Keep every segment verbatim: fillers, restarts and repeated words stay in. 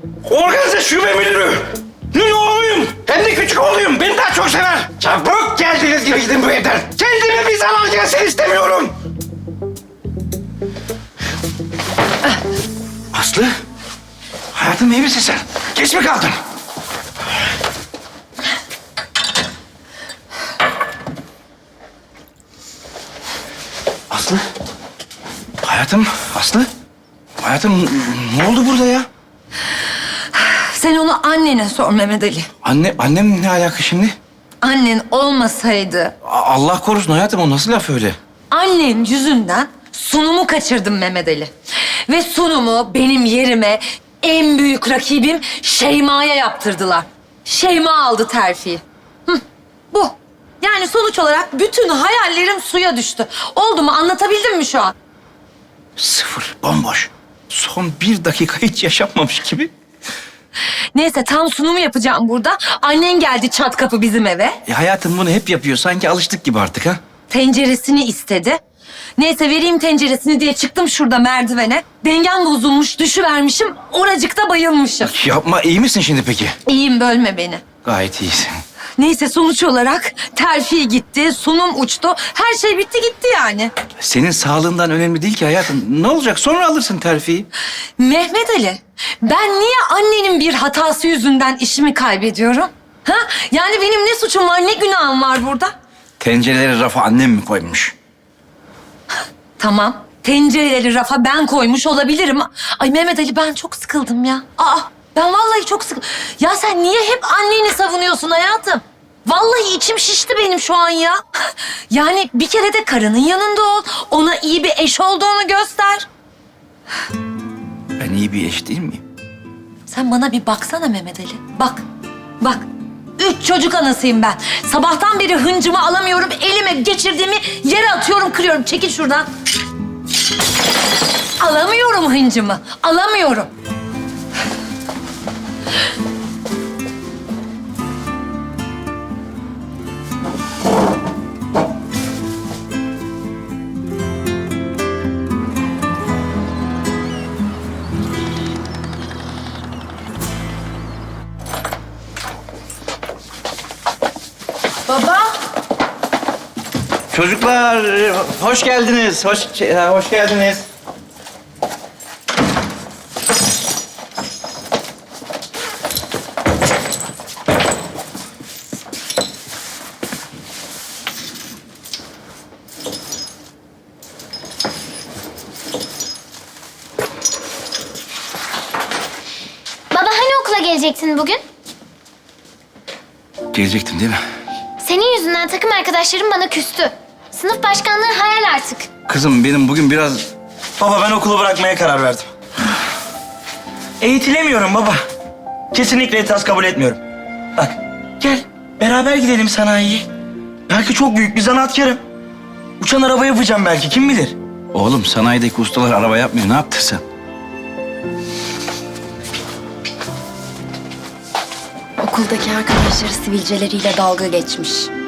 Organize şube müdürü. Ne oğluyum? Hem de küçük oğluyum. Beni daha çok sever. Çabuk geldiğiniz gibi gidin bu evden. Kendime bir zarar gelsin istemiyorum. Aslı. Hayatım iyi misin sen? Geç mi kaldın? Aslı. Hayatım, Aslı. Hayatım ne oldu burada ya? Sen onu annene sor Mehmet Ali. Anne, annem ne alaka şimdi? Annen olmasaydı A- Allah korusun hayatım, o nasıl laf öyle? annen yüzünden sunumu kaçırdım Mehmet Ali. Ve sunumu benim yerime en büyük rakibim Şeyma'ya yaptırdılar. Şeyma aldı terfiyi. Hı, bu. Yani sonuç olarak bütün hayallerim suya düştü. Oldu mu? Anlatabildim mi şu an? Sıfır, bomboş. Son bir dakika hiç yaşanmamış gibi. Neyse tam sunumu yapacağım burada. Annen geldi çat kapı bizim eve. E hayatım bunu hep yapıyor. Sanki alıştık gibi artık ha. Tenceresini istedi. Neyse vereyim tenceresini diye çıktım şurada merdivene. Dengem bozulmuş, düşüvermişim. Oracıkta bayılmışım. Yapma, iyi misin şimdi peki? İyiyim, bölme beni. Gayet iyisin. Neyse sonuç olarak terfi gitti, sunum uçtu. Her şey bitti gitti yani. Senin sağlığından önemli değil ki hayatım. Ne olacak? Sonra alırsın terfiyi. Mehmet Ali, ben niye annenin bir hatası yüzünden işimi kaybediyorum? Ha? Yani benim ne suçum var, ne günahım var burada? Tencereleri rafa annem mi koymuş? Tamam. Tencereleri rafa ben koymuş olabilirim. Ay Mehmet Ali ben çok sıkıldım ya. Aa ben vallahi çok sıkıldım. Ya sen niye hep anneni savunuyorsun hayatım? Vallahi içim şişti benim şu an ya. Yani bir kere de karının yanında ol. Ona iyi bir eş olduğunu göster. Ben iyi bir eş değil miyim? Sen bana bir baksana Mehmet Ali. Bak, bak. Üç çocuk anasıyım ben. Sabahtan beri hıncımı alamıyorum. Elime geçirdiğimi yere atıyorum, kırıyorum. Çekil şuradan. Alamıyorum hıncımı. Alamıyorum. Baba. Çocuklar hoş geldiniz. Hoş hoş geldiniz. Baba hani okula gelecektin bugün? Gelecektim değil mi? Senin yüzünden takım arkadaşlarım bana küstü. Sınıf başkanlığı hayal artık. Kızım benim bugün biraz... Baba ben okulu bırakmaya karar verdim. Eğitilemiyorum baba. Kesinlikle itiraz kabul etmiyorum. Bak gel beraber gidelim sanayiye. Belki çok büyük bir zanaatkarım. Uçan araba yapacağım belki kim bilir. Oğlum sanayideki ustalar araba yapmıyor. Ne yaptın sen? Okuldaki arkadaşları sivilceleriyle dalga geçmiş.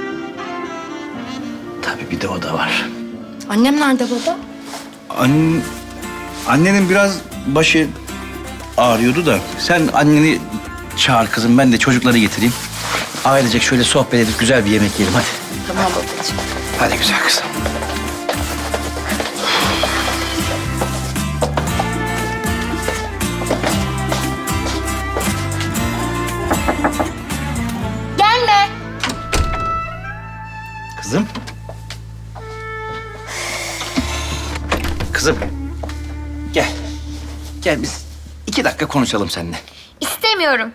Tabii bir de o da var. Annem nerede baba? An... Annenin biraz başı ağrıyordu da sen anneni çağır kızım, ben de çocukları getireyim. Ailecek şöyle sohbet edip güzel bir yemek yiyelim hadi. Tamam babacığım. Hadi güzel kızım. Gelme. Kızım. Kızım. Gel. Gel biz iki dakika konuşalım seninle. İstemiyorum.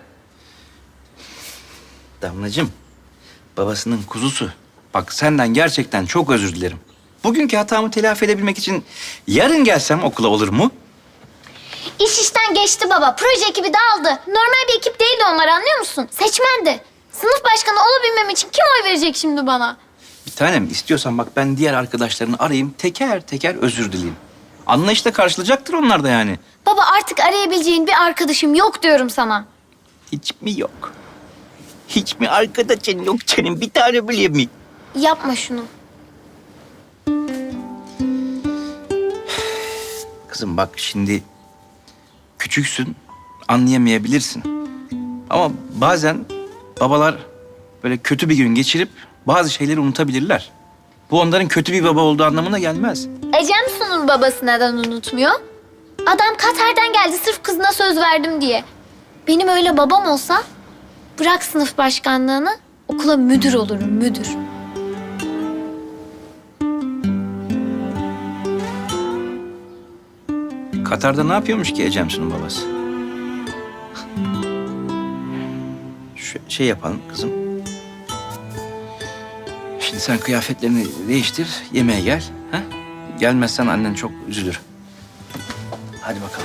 Damlacığım, babasının kuzusu. Bak senden gerçekten çok özür dilerim. Bugünkü hatamı telafi edebilmek için yarın gelsem okula olur mu? İş işten geçti baba. Proje ekibi dağıldı. Normal bir ekip değildi onlar anlıyor musun? Seçmendi. Sınıf başkanı olabilmem için kim oy verecek şimdi bana? Bir tanem istiyorsan bak ben diğer arkadaşlarını arayayım, teker teker özür dileyeyim. Anlayışla karşılayacaktır onlar da yani. Baba artık arayabileceğin bir arkadaşım yok diyorum sana. Hiç mi yok? Hiç mi arkadaşın yok senin bir tane bile mi? Yapma şunu. Kızım bak şimdi küçüksün anlayamayabilirsin. Ama bazen babalar böyle kötü bir gün geçirip bazı şeyleri unutabilirler. Bu onların kötü bir baba olduğu anlamına gelmez. Ecem Su'nun babası neden unutmuyor? Adam Katar'dan geldi sırf kızına söz verdim diye. Benim öyle babam olsa bırak sınıf başkanlığını okula müdür olurum müdür. Katar'da ne yapıyormuş ki Ecemsu'nun babası? Şu şey yapalım kızım. Şimdi sen kıyafetlerini değiştir, yemeğe gel. Ha? Gelmezsen annen çok üzülür. Hadi bakalım.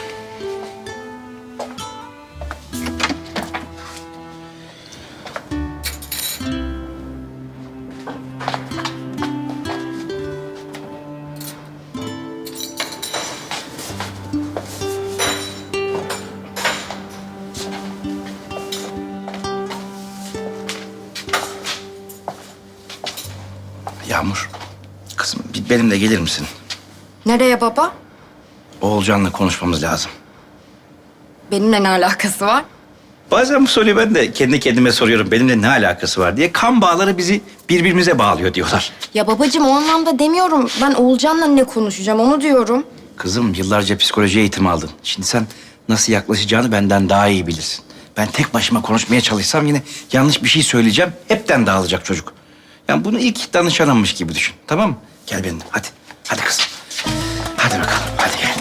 Yağmur, kızım bir benimle gelir misin? Nereye baba? Oğulcan'la konuşmamız lazım. Benimle ne alakası var? Bazen bu soruyu ben de kendi kendime soruyorum. Benimle ne alakası var diye. Kan bağları bizi birbirimize bağlıyor diyorlar. Ya babacığım o anlamda demiyorum. Ben Oğulcan'la ne konuşacağım onu diyorum. Kızım yıllarca psikoloji eğitimi aldın. Şimdi sen nasıl yaklaşacağını benden daha iyi bilirsin. Ben tek başıma konuşmaya çalışsam yine yanlış bir şey söyleyeceğim. Hepten dağılacak çocuk. Yani bunu ilk danışanımmış gibi düşün. Tamam mı? Gel benimle hadi. Hadi kızım. Hadi bakalım. Hadi gel.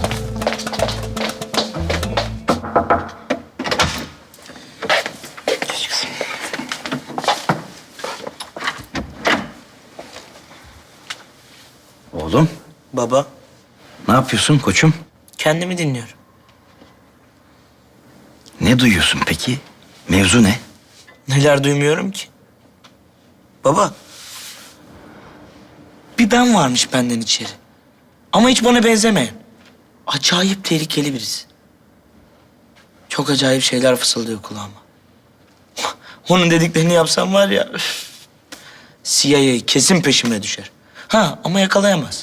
Geç kızım. Oğlum Baba, ne yapıyorsun koçum? kendimi dinliyorum. Ne duyuyorsun peki? Mevzu ne? Neler duymuyorum ki? Baba, bir ben varmış benden içeri. Ama hiç bana benzemeyen. Acayip tehlikeli birisi. Çok acayip şeyler fısıldıyor kulağıma. Onun dediklerini yapsam var ya... üf, C I A kesin peşime düşer. Ha ama yakalayamaz.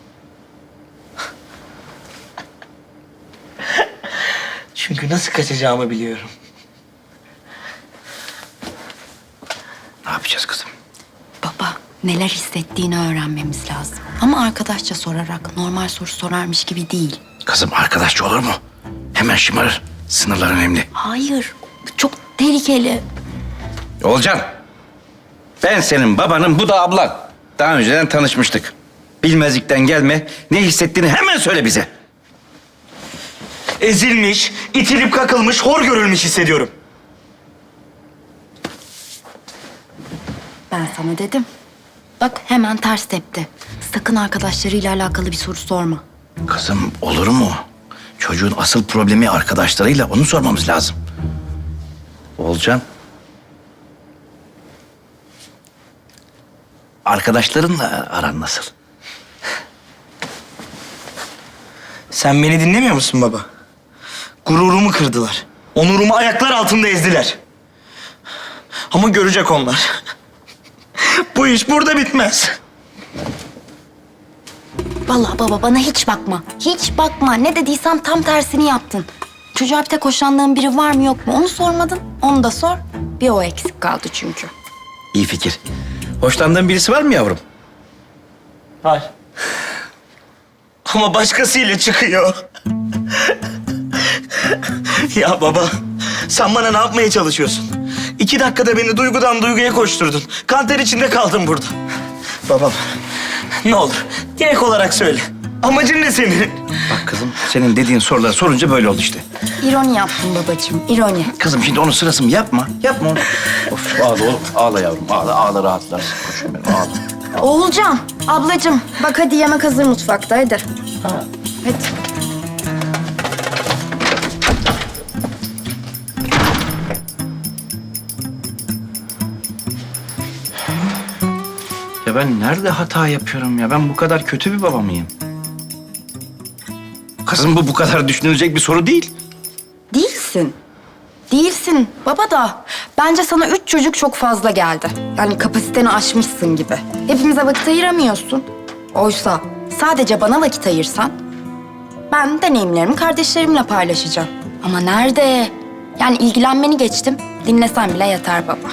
Çünkü nasıl kaçacağımı biliyorum. Ne yapacağız kızım? Baba neler hissettiğini öğrenmemiz lazım. Ama arkadaşça sorarak normal soru sorarmış gibi değil. Kızım arkadaşça olur mu? Hemen şımarır. Sınırlar önemli. Hayır çok tehlikeli. Olcan. Ben senin babanım, bu da ablan. Daha önceden tanışmıştık. Bilmezlikten gelme. Ne hissettiğini hemen söyle bize. Ezilmiş, itilip kakılmış, hor görülmüş hissediyorum. Ben sana dedim. Bak hemen ters tepti. Sakın arkadaşlarıyla alakalı bir soru sorma. Kızım olur mu? Çocuğun asıl problemi arkadaşlarıyla, onu sormamız lazım. Olcan. Arkadaşlarınla aran nasıl? Sen beni dinlemiyor musun baba? Gururumu kırdılar. Onurumu ayaklar altında ezdiler. Ama görecek onlar. Bu iş burada bitmez. Vallahi baba bana hiç bakma. Hiç bakma. Ne dediysem tam tersini yaptın. Çocuğa bir tek hoşlandığın biri var mı yok mu onu sormadın. Onu da sor. Bir o eksik kaldı çünkü. İyi fikir. Hoşlandığın birisi var mı yavrum? Hayır. Ama başkasıyla çıkıyor. Ya baba, sen bana ne yapmaya çalışıyorsun? İki dakikada beni duygudan duyguya koşturdun. Kanter içinde kaldım burada. Babam, ne olur direkt olarak söyle. Amacın ne senin? Bak kızım, senin dediğin soruları sorunca böyle oldu işte. İroni yaptın babacığım, ironi. Kızım şimdi onun sırası mı? Yapma, yapma onu. Of ağla oğlum, ağla yavrum, ağla, ağla rahatlarsın. Koşun benim, ağla. Oğulcan, ablacığım bak hadi yemek hazır mutfakta hadi. Hadi. Ya ben nerede hata yapıyorum ya? Ben bu kadar kötü bir baba mıyım? Kızım bu bu kadar düşünülecek bir soru değil. Değilsin. Değilsin baba da. Bence sana üç çocuk çok fazla geldi. Yani kapasiteni aşmışsın gibi. Hepimize vakit ayıramıyorsun. Oysa sadece bana vakit ayırsan... ...ben deneyimlerimi kardeşlerimle paylaşacağım. Ama nerede? Yani ilgilenmeni geçtim. Dinlesen bile yeter baba.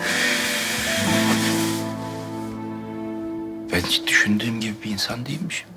Ben hiç düşündüğüm gibi bir insan değilmişim.